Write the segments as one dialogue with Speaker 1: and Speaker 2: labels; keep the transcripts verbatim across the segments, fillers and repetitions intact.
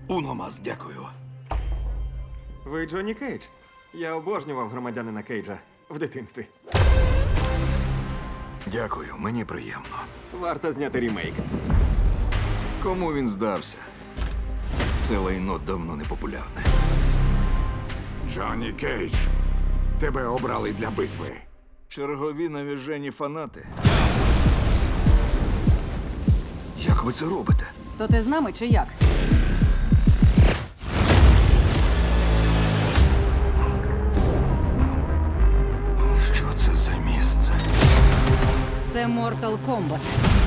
Speaker 1: Уномас, дякую.
Speaker 2: Ви Джонні Кейдж? Я обожнював громадянина Кейджа в дитинстві.
Speaker 1: Дякую, мені приємно.
Speaker 2: Варто зняти рімейк.
Speaker 1: Кому він здався? Це лайно давно не популярне.
Speaker 3: Джонні Кейдж, тебе обрали для битви.
Speaker 1: Чергові навіжені фанати. Як ви це робите?
Speaker 4: То ти з нами чи як?
Speaker 1: Що це за місце?
Speaker 4: Це Mortal Kombat.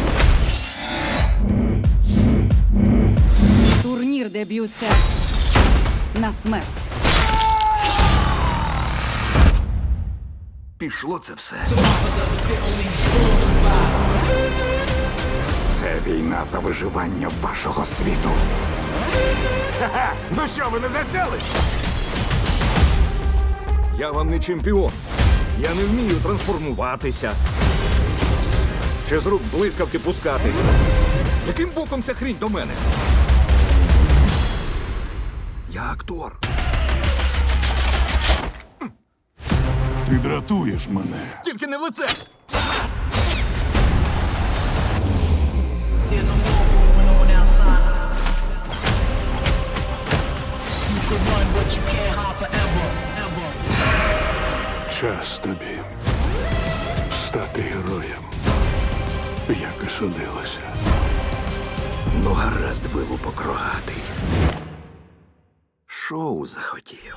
Speaker 4: Турнір, де б'ються на смерть.
Speaker 1: Пішло це все.
Speaker 3: Це війна за виживання вашого світу. Ха-ха! Ну що, ви не засяли?
Speaker 1: Я вам не чемпіон. Я не вмію трансформуватися. Чи з рук блискавки пускати. Яким боком ця хрінь до мене? Я актор.
Speaker 5: Ти дратуєш мене.
Speaker 1: Тільки не в лице.
Speaker 6: There's a war going on outside. You could run, but you can't hide forever, ever.
Speaker 5: Час тобі стати героєм, як і судилося.
Speaker 1: Ну, гаразд, вилупок рогатий. Шоу захотів.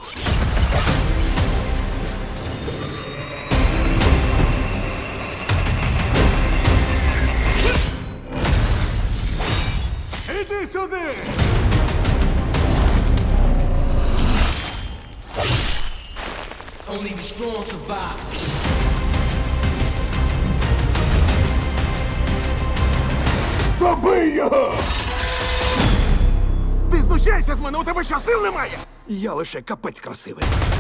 Speaker 3: Іди сюди!
Speaker 6: Only the strong survive.
Speaker 3: Добий його! Ти знущайся з мене, у тебе що, сил немає?
Speaker 1: Я лише капець красивий.